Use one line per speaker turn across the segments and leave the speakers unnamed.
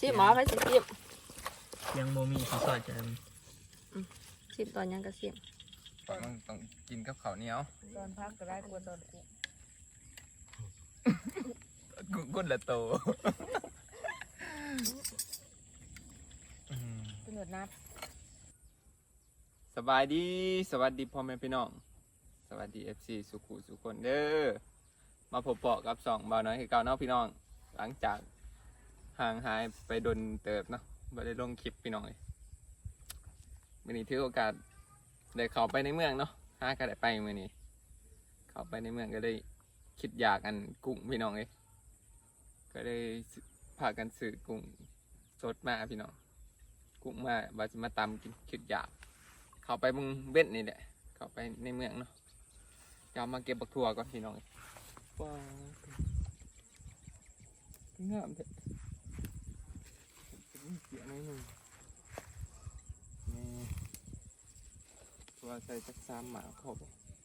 หมอไปสิซิม
ยังโมมีที่ซอยจะ
ซิมตอนยังก็ซิม
ตอนต้องกินกับข้าวเหนียว
ตอนพักก็ได้กลัวตอน
กุ้งกุ้งละโต
เป็นหนวดนัด
สบายดีสวัสดีพ่อแม่พี่น้องสวัสดี FC สุขุสุคนเด้อมาพบเปาะกับสองบ่าวน้อยคือเก่าเนาะพี่น้องหลังจากห่างหายไปโดนเติบเนาะไม่ได้ลงคลิปพี่น้องเลยวันนี้ถือโอกาสได้เข้าไปในเมืองเนาะหาก็ได้ไปมื้อนี้เข้าไปในเมืองก็ได้คิดอยากอันกุ้งพี่น้องเลยก็ได้พากันซื้อกุ้งสดมาพี่น้องกุ้งมาว่าจะมาตำกินคิดอยากเข้าไปมึงเบ็ดนี่แหละเข้าไปในเมืองเนาะจะมาเก็บบักถั่วก่อนพี่น้องว้าวงามเถอะเสียน้อยหนึ่งนี่ตัวใส่จักซ้ำหมาพอ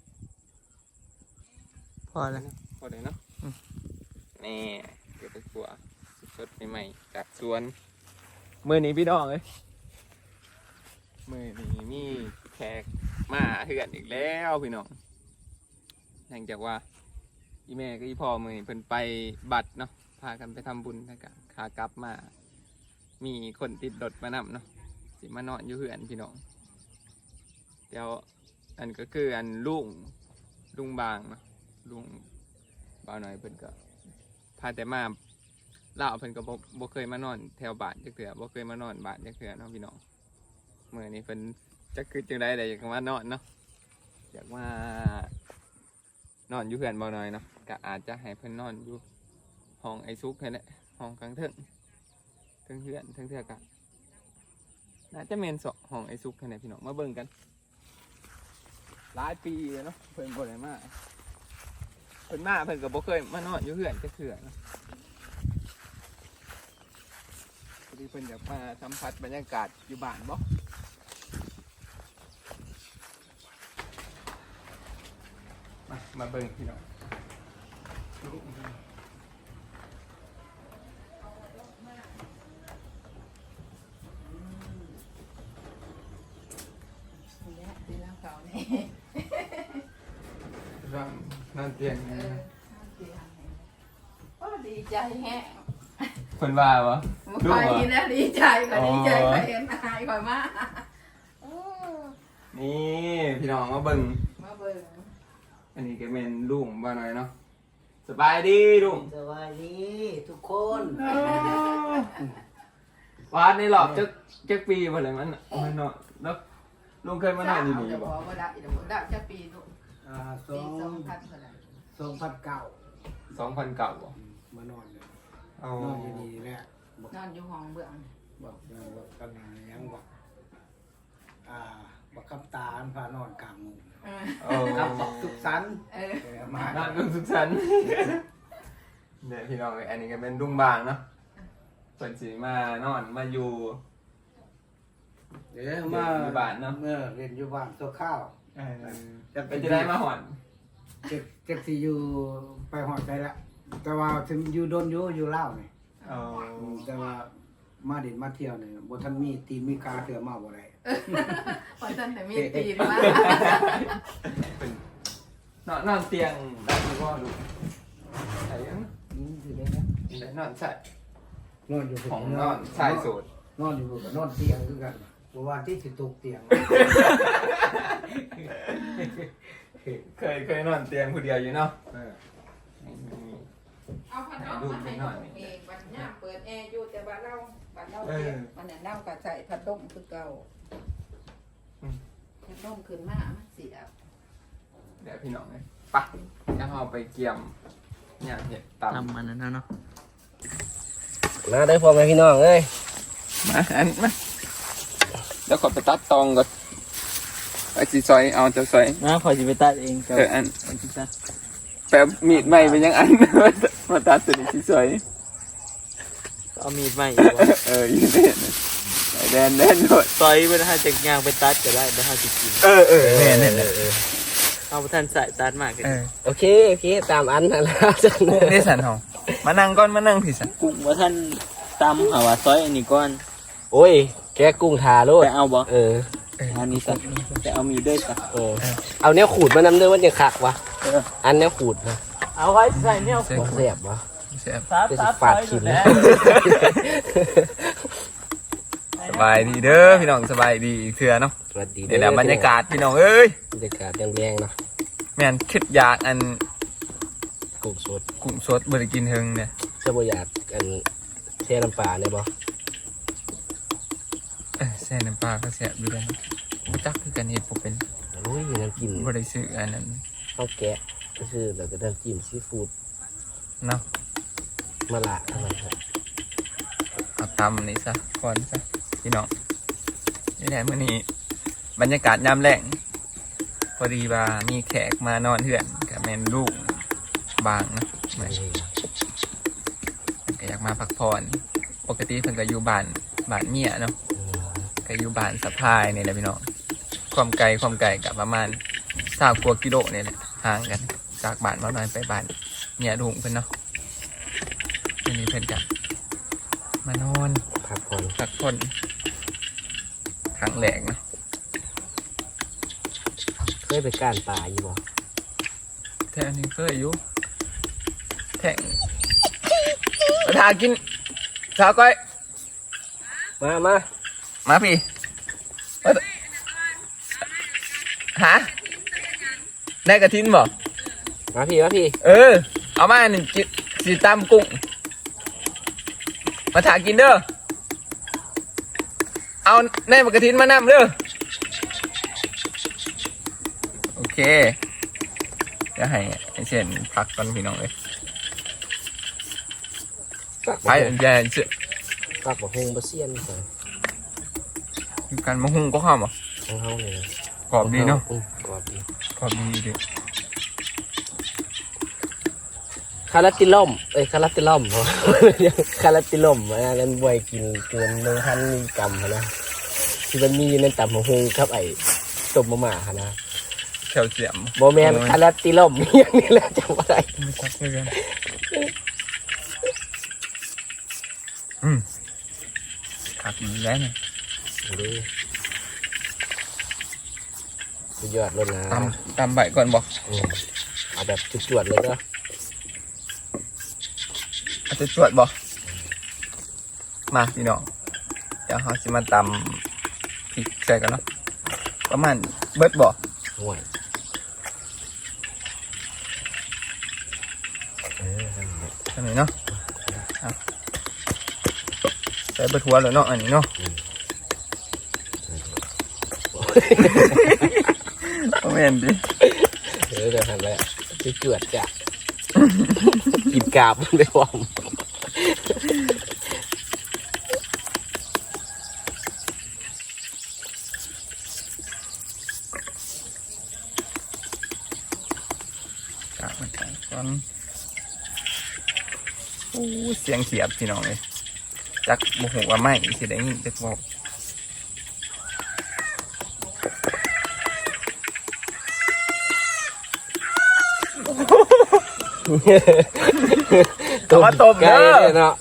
พอแล้ว
พอเลยเนาะนี่เก็บบักถั่วสดใหม่ๆจากสวนมื้อนี้พี่น้องเลยมื้อนี้มีแขกมาเฮือนอีกแล้วพี่น้องหลังจากว่าอีแม่กับอีพ่อมื้อนี้เพิ่นไปบัตรเนาะพากันไปทำบุญนะครับขากลับมามีคนติดรถมานำเนาะสิมานอนอยู่เฮือนพี่น้องเดี๋ยวอันก็คืออันลุงบางเนาะลุงบ่าวหน่อยเพิ่นก็พาแต่มาเล่าเพิ่นก็บ่เคยมานอนแถวบ้านจักเทื่อบ่เคยมานอนบ้านจักเทื่อเนาะพี่น้องมื้อนี้เพิ่นจักคือจังได๋อยากมานอนเนาะอยากมานอนอยู่เฮือนบ่าวหน่อยเนาะก็อาจจะให้เพิ่นนอนอยู่ห้องไอ้ซุกนั่นแหละห้องกลางเทิงเฮือนเทื่อก็น่าจะแม่น2ห้องไอ้ซุกนั่นแหละพี่น้องมาเบิ่งกันหลายปีแล้วเนาะเพิ่นบ่ได้มาเพิ่นมาเพิ่นก็บ่เคยมานอนอยู่เฮือนจักเทื่อเนาะพอดีเพิ่นอยากมาสัมผัสบรรยากาศอยู่บ้านบ่มาเบิ่งพี่น้องนั่นเตียง
ก็ดีใจแฮะ
เพิ่นว่าวะ
คอยนะดีใจก็ดีใจก็เห็นอายคอยมา
นี่พี่น้องมาเบิ่งอันนี้ก็เป็นลุงบ่าหน่อยเนาะสบายดีลุง
สบายดีทุกคน
วาดในหลอบจักปีบ่เลยมันเนาะแล้วลุงเคยมานอนอยู่นี่บ่
ได้จะปีลูกปี
2009
2009บ่
มานอนเลย
อ๋อน
อนอยู่นี่แหละ
นอนอยู่ห้องเบื้อง
บอกกันยังบอกบอกคำตาอันพานอนกลางมุงกับบอกสุขสันต์
มานอนกับสุขสันต์เนี่ยพี่น้องอันนี้ก็เป็นลุงบางเนาะเพิ่นสิมานอนมาอยู่
เดี๋ยวมา
บ้านเนาะ
เรียนอยู่บ้านตัวข้าว
เป็นจะได้มาหอน
เจ็บที่อยู่ไปหอดไปละแต่ว่าถึงอยู่โดนอยู่เล่าเนี่ยแต่ว่ามาเด่นมาเที่ยวเนี่ยบทันมีตีมีกาเถื่อมาบ่ได้
พอท่านแต่มีตีนม
านอนเตียงได้หรือว่าดูใช่ยัง
ถือได้ไหม
นอนใช่
นอนอยู่
ของนอนชายโสด
นอนอยู่กับนอนเตียงคือกันเพราะว่าที่สิตกเตียง
เคยนอนเตียงคนเดียวอยู่เนาะ
เอาพัดลมมาให้น้องเองวันนี้เปิดแอร์อยู่แต่บ้านเราเตียงมันเนี่ยเน่ากับใส่พัดลมคือเก่าพัดลมขึ้นมามันเสีย
เดี๋ยวพี่น้องเลยปะจะเอาไปเกี่ยมเนี่ยเห็ดตำ
มันนั่นเนาะ
มาได้พอไหมพี่น้องเอ้ย
มาอันมาแล้วขอไปตัดตองก่อนไอ้จีซอยเอาจะซอย
นะขอจีไปตัดเอง
อันแป๊บมีดใหม่เป็นยังอันมาตัดตัวนี้จีซอย
เอามีดใหม่
ยืนแดนโดด
ซอยไม่ได้ให้จากยางไปตัดก็ได้ไม่ให้จะกิน
แม่เนี่ย
เอาท่านใส่ตัดมากเลย
โอเคตามอันนั่นแหละ
นี่สันหองมานั่งก่อนมานั่งผิดสัน
กุ้งว่าท่านตำหาว่าซอยอันนี้ก่อน
โอ้ยแกะกุ้งทาโลด
ไปเอาบ่
อันนี้ซะ
ไปเอามีด้วยจ้ะ
เอาแนวขูดมานำเด้อมันจะคักวะอันแนวขูดนะ
เอาไว้ใส่เนี่ย
บ่แซ่บวะ
แซ่บ
ซับ
จะ
ซั
สิ
บ
ฟาดขิม
แล้ว
สบายดีเด้อพี่น้องสบายดีอีกเทื่อเนาะ
สวัสดี
เดี๋ยวบรรยากาศพี่น้องเอ้ย
บรรยากาศแรงๆเนาะ
แม่นคิดอยากอัน
กุ้งสด
กุ้งสดบ่ได้กินเฮิงเนี่ย
จะบ่อยากกันแช่น้ำปลาเนี่ยบ่
แซ่น้ำปลาก็แซ่บอยู่แล้วบ่จักคือกันเฮ็ดบ่เป็น
โอ้ยน้ำจิ้ม
บ่ได้ซื้ออันนั้น
ข้าวแกะก็คือแล้วก็น้ำจิ้มซีฟู้ด
เนาะ
มะละเท่านั้นครับ
เอาตำนี่ซะก่อนซะพี่น้องนี่แหละมื้อนี้บรรยากาศยามแลงพอดีว่ามีแขกมานอนเฮือนกับแม่นลูกบางนะแม่นก็อยากมาพักผ่อนปกติเพิ่นก็อยู่บ้านเมียเนาะก็อยู่บ้านสะพายนี่แหละพี่น้องความไกลกับประมาณ20กว่ากิโลนี่แหละห่างกันจากบ้านมาหน่อยไปบ้านเมียลุงเพิ่นเนาะมื้อนี้เพิ่นก็มานอน
พักผ่อน
พักผ่อนครั้งแรกเนาะ
เคยไปก้านป่าอยู่บ่
แท่นี้เคยอยู่แท่งมาทากินสาวก้อย
มา
พี่ฮะได้กระทินบ่
มาพี่
เอามาหนึ่งกิสีตำกุ้งมาถากินเด้อเอาแน่มากระทินมานำเด้อโอเคจะให้เช่นพักก่อนพี่น้องเลยไปอย่าเชื่อ
ปักบ่ฮงบ่เซียนใส่
การมะฮุงก็ข้ามอ่ะ
ของเฮาเลยนะ
กรอบดีเนาะ
กรอบดี
กรอบดีดิ
คาราติล่อมคาราติล่อมบ่ คาราติล่อมอันนั้นบ่ให้กินเกิน1,000มิลลิกรัมหั้นนะที่มันมีอยู่ในตำบักฮงครับไอ้ต้มมะม่าหั่นนะ
แคลเซียม
บ่แม่นคาราติล่อมอย่างนี้แหละจำบ่ได้
ไม่ชักเลยกันขาดอีกแล้วเนี่ย
สุดยอดเลยนะ
ตำใบก่อนบอก
เอาแบบจวดๆเลยเนาะ
อาจจะจวดบอกมาพี่น้องเดี๋ยวเขาจะมาตำพริกใส่กันเนาะประมาณเบิดบอก
ห่วย
ใช่ไหมเนาะเอาใส่เบิดหัวเลยเนาะอันนี้เนาะโมเมนดิ
เดี๋ยวหั่นแล้วจวดจ้ะกินกาบได้พร้อม
กะมันก่อนโอ้เสียงเขียบพี่น้องเลยจักโมโหว่าไม่สิได้ยินจักบอก เอามาต้มเด้อ
เนาะ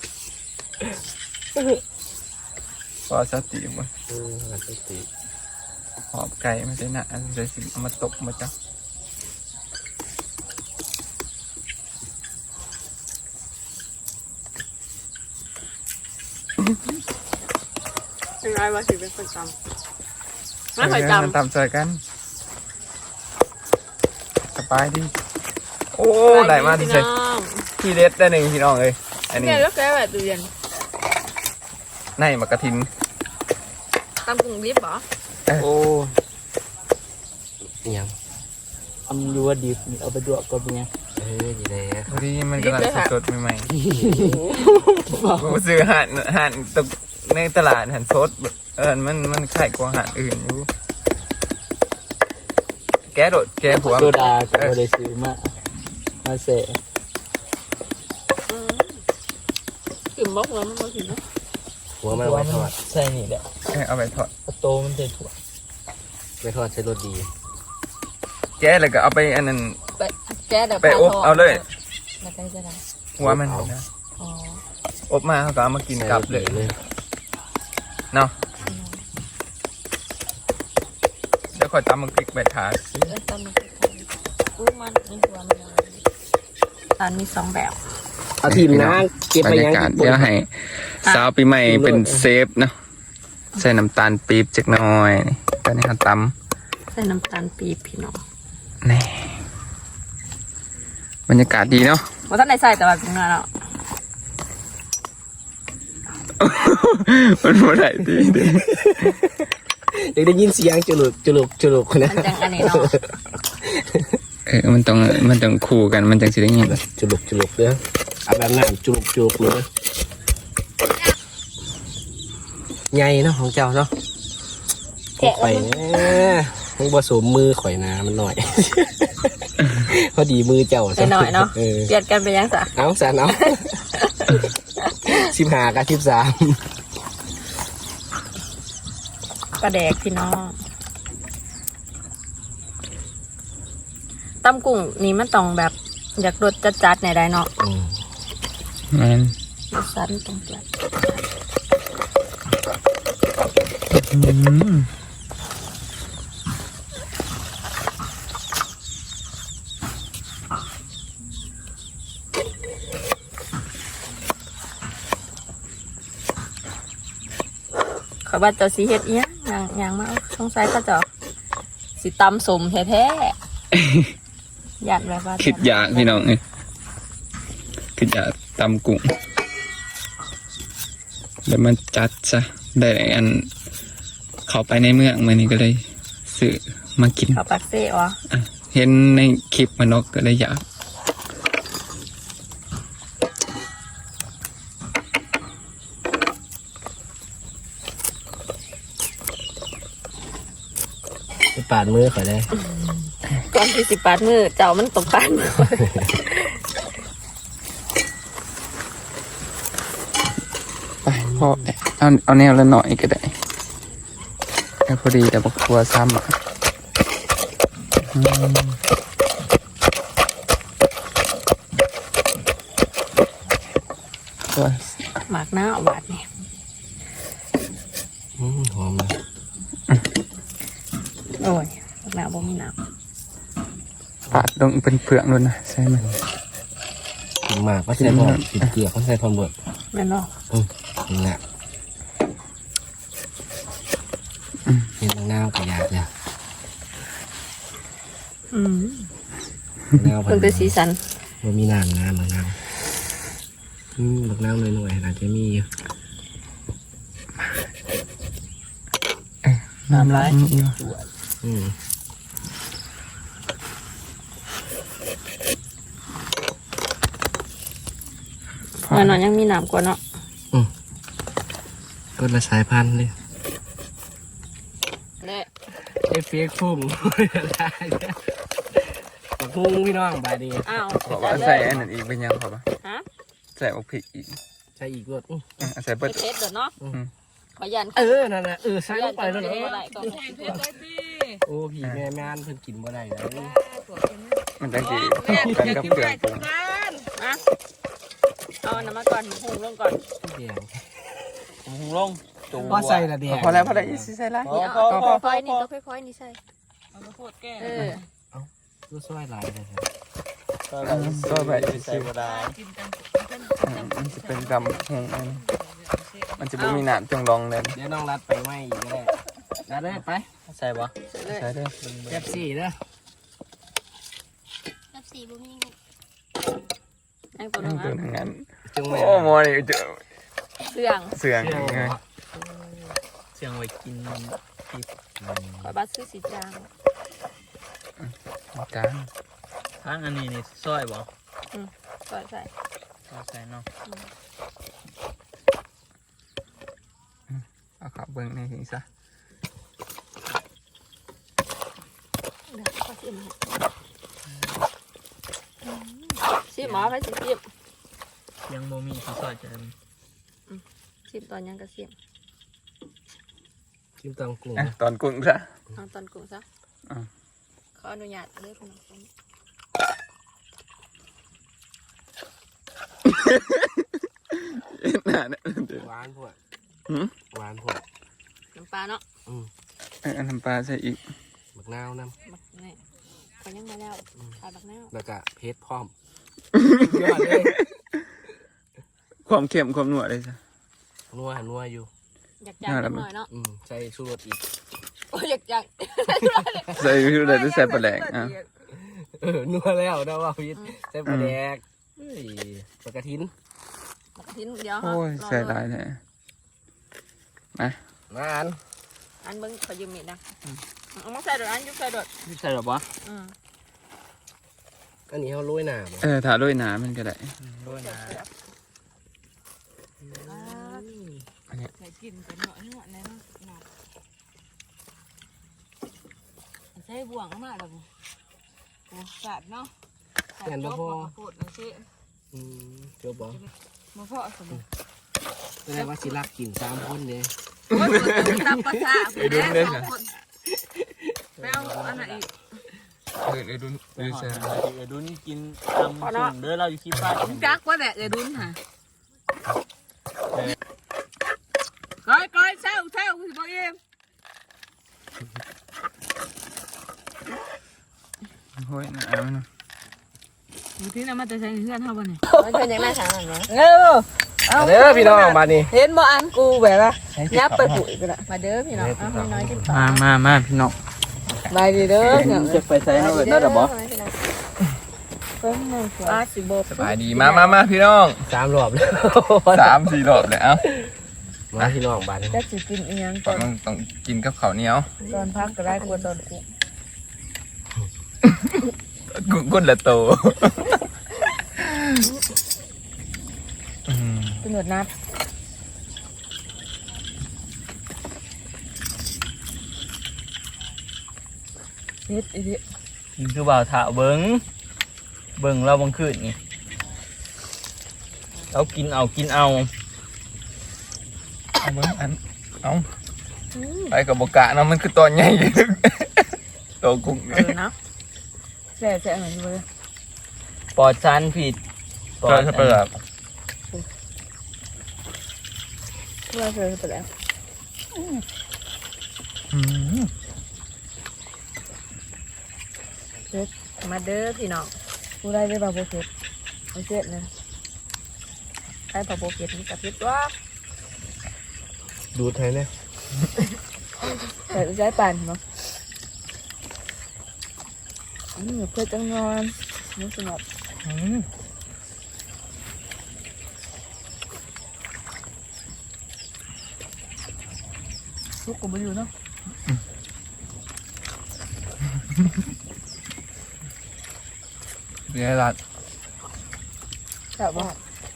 พอสติมัน
สติ
หอบไก่ไม่ใช่หนะอันใส่สิเอามาตบมาจับ
เป็นไรวะสิเป็นคนจำไม่เคยจำ
ตามใจกันสบายดีโอ้ได้มาที่ใส่ที่เด็ดได้หนึ่งพี่น้องเลยอันนี้
เนี่ยแล้วแกแบบตู้เย็น
ในมะกระทิน
ตำกุ้งดิบเหรอ
โอ้ยัง
ทำอยู่ว่าดีเอาไปดวกก็เป็นไง
อยู่ไหน
พอดีมันกำลังสดๆใหม่ๆผมซื้อหั่นตกในตลาดหั่นสดมันขายกว่าหั่นอื่นอยู่แกโดดแกหัว
โซดาก็ไม่ได้ซื้อมาเสะ
กลิ่นบกแล้วมันก็กลิ่นนะ
หัวมันไว้ทอด
ใส่นี่แหละ
เอาไปทอด
โตมันใส่ถั่ว
ไว้ทอดใช้รสดี
แกแล้วก็เอาไปอันนั้น
แกเดี๋ยว
ไปอบเอาเลย
มาใกล้จะได้
หัวมันนะ
อ๋อ
ออบมาเขาก็เอามากินกลับเลยเนาะเดี๋ยวขอตำมันพริกใบถาด
ตำมันกู้มันนี่ตัวมันตอนมี2แบบ
เอาทีมนะเก็บบ
ร
ไป
ร
ยัง
ยากาศเดี๋ยวให้สาวปีใหม่เป็นเซฟเนาะใส่น้ำตาลปี๊บจักหน่อยนี่ตอนนี้เขาต
ใส่น้ำตาลปี๊บพี่น้อง
ำนี่บรรยากาศดีเนาะ
ว่าท่านได้ใส่แต่ว่าเป็นเนาะ
มันบ่ได้ดีเด้
อยากได้ยินเสียงจุลุกนะ
มันจังอันนี้เนาะ
มันต้องคู่กันมันจังสิได้ยิน
จุลุกเด้อเอาแบบนั้นจุลุกเลยใหญ่เนาะของเจ้าเนาะข่อยมันผสมมือข่อยนะมันหน่อย พอดีมือเจ้า
หน่อยเนาะเปลี่ยนกันไปยังสะ
เอาสันเอา15 กับ 13
ปลาแดกพี่น้องตำกุ้งนี่มันต้องแบบอยากรสจัดๆในได้เนาะ
มัน
รสสันต้องจัดเขาว่าเจ้าสีเฮ็ดเอี้ยอย่างมาสงสัยเขาเจ้าสิตำสมแท้ๆ อยากแบบว่า
คิดอยากพี่น้องนี่คิดอยากตำกุ้งแล้วมันจัดซะได้อันเข้าไปในเมืองมันนี่ก็เลยซื้อมากิน
เขาปักเซ่อ๋อ
เห็นในคลิปมันนกก็เลยอยาก
ไปปาดมือข่อยได้
ก่อนที่สิปาดมือเจ้ามันตกปาดมือ
ไปพ่อเอาแนวละหน่อยก็ได้แค่พอดีแต่บอกครัวซ้ำอ่ะตัว
หมากหน้าหวานเนี่ย
หอมเลย
โอ้ยหมากหน้าบ่มีน้
ปาดลงเป็นเปลือกเลยนะใช่ไหม
หมากก็ใส่พร้อมติดเกลือก็ใส่พร้อมเบิด
ำแม่นเนาะ
นี่แหละเห็นน้ำก็อยากจะ น้ำ
เพิ่งเป็นสีสัน
มันมีน้ำบางน้ำบางน้ำหน่อยๆอาจจะมีอยู่
น้ำลาย
อืม
มันนอนยังมีน้ำกว่าเนาะ
ก็ละสายพันธุ์เลย
เนี่ย
ไอ้เฟียกพุ่งได้ปักพุ่งพี่น้องบายดี
อ้าว
ขอว่าใส่อันนั้นอีกเป็นยังขอป่ะ
ฮะ
ใส่อกพริกอีก
ใส่อีกรถ
ใส่เบิด
เทสเด้อเนาะขอยัน
นั่นแหละใส่ลงไปแล้วเนาะ
อะไรก่อน
โอ้พี่แม่ม่านเพิ่นกินบ่ได้แล้ว
มันจังสิกันกับเครื่องปรุง
อ่ะเอาน้ำมาก่อนหุงลงก่อน
แดง
หุงลงจู
พอใส่ละแดง
พอแล้วใส่ละ
นี่เอาค่อยๆนี่ก็ค่อยๆนี่ใส่เออ
ตัวซอยหลายเลยครับ
ก็แบบ
ใส่บ่ได้
มันจะเป็นดำหงอันนี้มันจะไม่มีหนามจงรองเลย
เดี๋ยวน้องรัดไปไหมอีกก็ได้รัดเลยไป
ใส่บ่
ใช่ด้วย
แป๊บซี่เด้อ
นั่งตัวนึ
นั่
ง
งตัว
อ่ะ
นั้น
จงแม่
โอ้โมนี่เจอ
เสื่อง
เสื่องไง
เสียงไว้กินที่
ขอบัตรซื้อสีจาง
จาน
ทางอันนี้นี่ซอยบ่
ใส่ใส่
ใส่เนาะ
เอาขับเบิ้งในหิ้งซะ
เดี๋ยวขอชิมชิมหมอไปชิม
ยังบ่มีที่ซอยจะ
ชิมตอนยังก็ชิม
ชิมตังกุ้ง
ตอนกุ้งซะ
เอาตอนกุ้งซะขออนุญาตเลยพี่น้อง
น่าเนี่ย
หวานพวก
หืม
หวานพวก
น้ำปลาเนาะ
อันน้ำปลาใส่อีก
บักนาวน้
บักนี่เขายังมาแล้วขาดบักแนว
ำแล้วก็เพชรพร้อมยอดเลย
ความเค็มความนัวเลยจ้ะ
นัวอยู่
อยากจังหน่อยเนาะ
ใส่ชูรสอีก
โอ้ยอยากจัง
ใส่คืออะไรจะใส่ปลาแหลกอ่ะ
นัวแล้วนะว่าพีทใส่ปลาแดกเฮ้ยปลากระทิน
บักทิ้นเดียว
โอ้ยใส่หลายแท้มา
มาอัน
อันเบิ้งขอยืมมีดนะเอามาใส่โดดอันยุบใส่โดด
ใช่หรอวะ
อันนี้เขาโรยหน้าบ่
ถ้าด้วยน้ำมันก็ได้
ด้วยนะ
ใส่กินเป็นหน่อยหน่อยเลยเนาะใส่บ่วงมากเลยโอ้สาดเนาะสาดจบมาพูดนะสิ
เจ้าบอก
มาเพาะสมุน
แสดงว่าสิรักกิน3 คนเลย
ว่าตัวตามภาษาไปเอาอันไหนอีก
เอ้ยดุน
เอดุนกินตำส่งเด้อเราอยู่ที่ป้า
จักว่าแหละเดี๋ยวดุนฮะก้อยเซลคุณบอกเอง
โอ้ยน้ำมัน
อยู่ที่นั่นมาแต่ใช้เพื่อนเท่าบ้านนี่
มันเป็นยังไงทางนั้นเนาะ
เออ
เด้อพี่น้องมานี่
เห็นบ่อันกูแบบว่ายับไปปุ๋ยกันละมาเด้อพี่น้องเอาน้อยๆกินต่อ
มาพี่น้อง
มาดีเด้อ
จะไปใส่ให้ได้หรอบ่
สิโบ
สบายดีมาพี่น้อง
3 รอบแล้ว
3-4 รอบเลยเอ้า
มาพี่น้องมานี่
จะสิกินอีหยัง
ก่อนต้องกินกับข้าวเหนียว
ตอนพักก็ได้กลัวตอนกู
กุ้นละโต
กินหนวดนัดเฮ็ดอีดิ
นี่คือบ่าวถาเบิ้งเราบังคืนนี่เรากินเอา
เอาเบิ้งอันเอาไปกับบกะเนาะมันคือตัวใหญ่โตกุ้ง
เนาะแซ่เหมือนเลย
ปอดซันผิด
เปิดเปิด
เพื่อเจอไปแล้วมาเด้อพี่น้องกูได้ได้บาโบเก็ตไม่เจ็ดนะได้บาโบเก็ตนี่กับพิษว่า
ดูดให้เนี่ย
แต่ใช้ปั่นเนาะเพื่อจังนอนนี่สงบลูกกูไม่อยู่เนาะ
เดี๋ยวรัด
แต่ว่า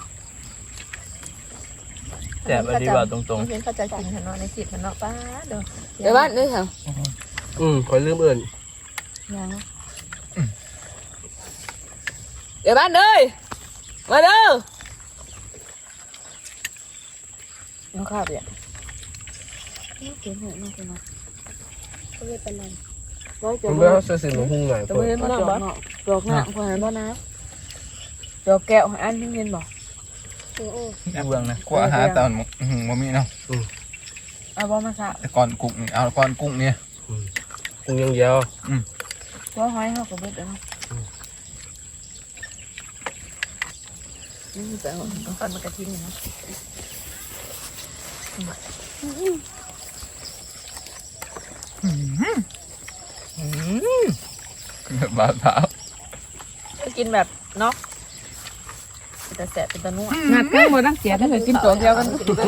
แต่บดีว่าตรง
เห็นเขาจะกินขนมในจิตมันเนาะป้าเดี๋ยวบ้านด้วยเหรอ
คอยลืมเอิ่น
ยังเดี๋ยวบ้านเลยมาเด้อน้องข้าวเนี่ยเขียนหน่อยน้องคนนั้นเขาเรียกเป็นอะไรร้อยจ
ผม
บ
เมื่อเขาซื้อมาหุ้งหน่อย
ตัวเห็นมาจอกเนาะจอกหน้าคนนั้นบ่นะจอกแก้วอันนี้เห็นบ่
ๆเบื้องนะ
กว่าหาตอนบ่มีเนาะ
เอาบ่มาซะ
แต่ก่อนกุ้งนี่เอาก่อนกุ้งเนี่ย
หุ้งยังเดียว
ตัวหอยเฮาก็เบิดแล้วนี่แต่ต้องฟันมากระทิ้งนะ
บาดเท้า
กินแบบเนาะแต่แสบเป็นตะนุ่มงัดกันหมดตั้งเสียถ้าเกิดกินตัวเดียวกัน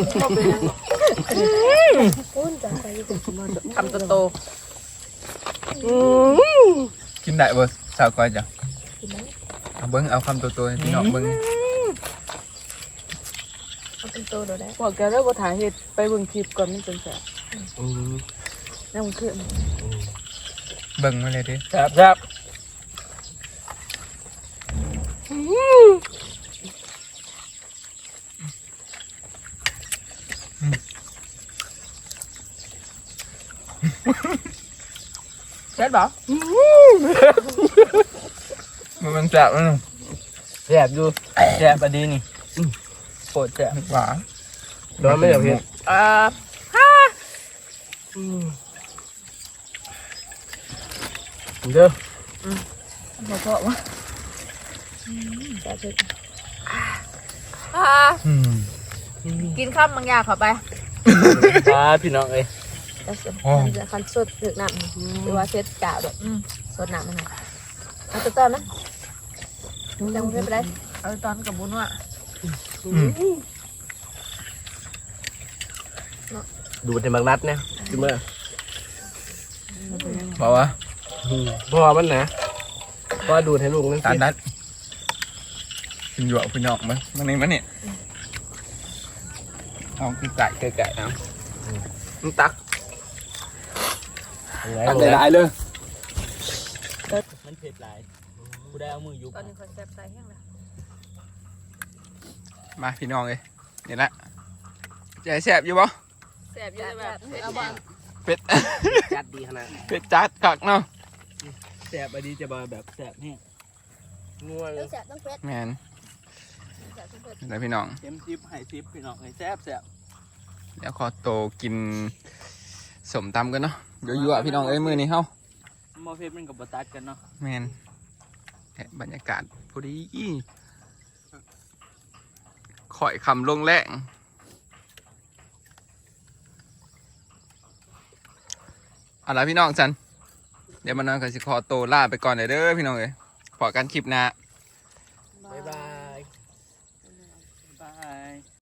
คำโต
กินได้บ่สาวก้อยจ้ะเอาเบิ้งเอาคำตัวให้พี่น้องเบิ้ง
เป็นโตได้บอกแกแล้วว่าถ่ายเหตุไปเบิ่งคลิปก่อนมันเป็นแสบนั่งขึ้น
เบิ้งมาเลยดิ
ครับ
เช็ดบ่
มันจับแล้ว
แซ่บอยู่
แซ่บดีนี่โคตรแซ่บ
หวาน
ร้อนไม่เหรอพี่ เด้อ
บ่พอวะจะเช็ดกินข้าวบางอย่างเข้าไป
พี่น้องเอ้ย
จะคันสดถึกน้ำหรือว่าเช็ดกาวแบบสดน้ำมันนะเอาตอนนะจังไม่เป็นไรเอาตอนกับบุญว่ะ
ดูดในบางนัดเนี่ยจิเมื่อ
บอกว่า
เพราะว่ามันนะเพราะว่าดูดให้ลูกนั่น
ตา
สิ
นัดกินหยวกพี่น้องมั้ยมันนี่มันนี่เอาคือไก่
ไก่ๆเอา
มันตัก
ยังไง
ตัก
ลูก
หลายๆเลย
มันเผ็ดหลายกูได้เอามือยุบ
ตอนนี้คนแซ่บใส่แห้งแล้ว
มาพี่น้องเลยนี่แหละใจแซ่บอยู่บ่
แซ่บอยู่แบบเอาบ้าง
เป็ด
จัดดีขนาด
เป็ดจัดกักเนาะ
แซ่บอันนี้จะมาแบบแซ่บแห้ง
งัวเลย
แซ่บต้องเผ็ด
แมน
แซ่บต้องเผ็ด
นี่แหละพี่น้อง
เต็มซิปให้ซิปพี่น้องให้แซ่บแซ่บ
เดี๋ยวขอโตกินสมตำกันเนาะเดี๋ยวยั่วพี่น้องเอ้ยมือนี้เฮ้า
หมอเผ็ดมันกับบะตัดกันเนาะ
แมนแหะบรรยากาศพอดีข่อยคำลงแรงเอาล่ะพี่น้องสันเดี๋ยวมันนอนกับสิขอโตวลาไปก่อนเด้อพี่น้องเอ้ยพอกันคลิปหน้า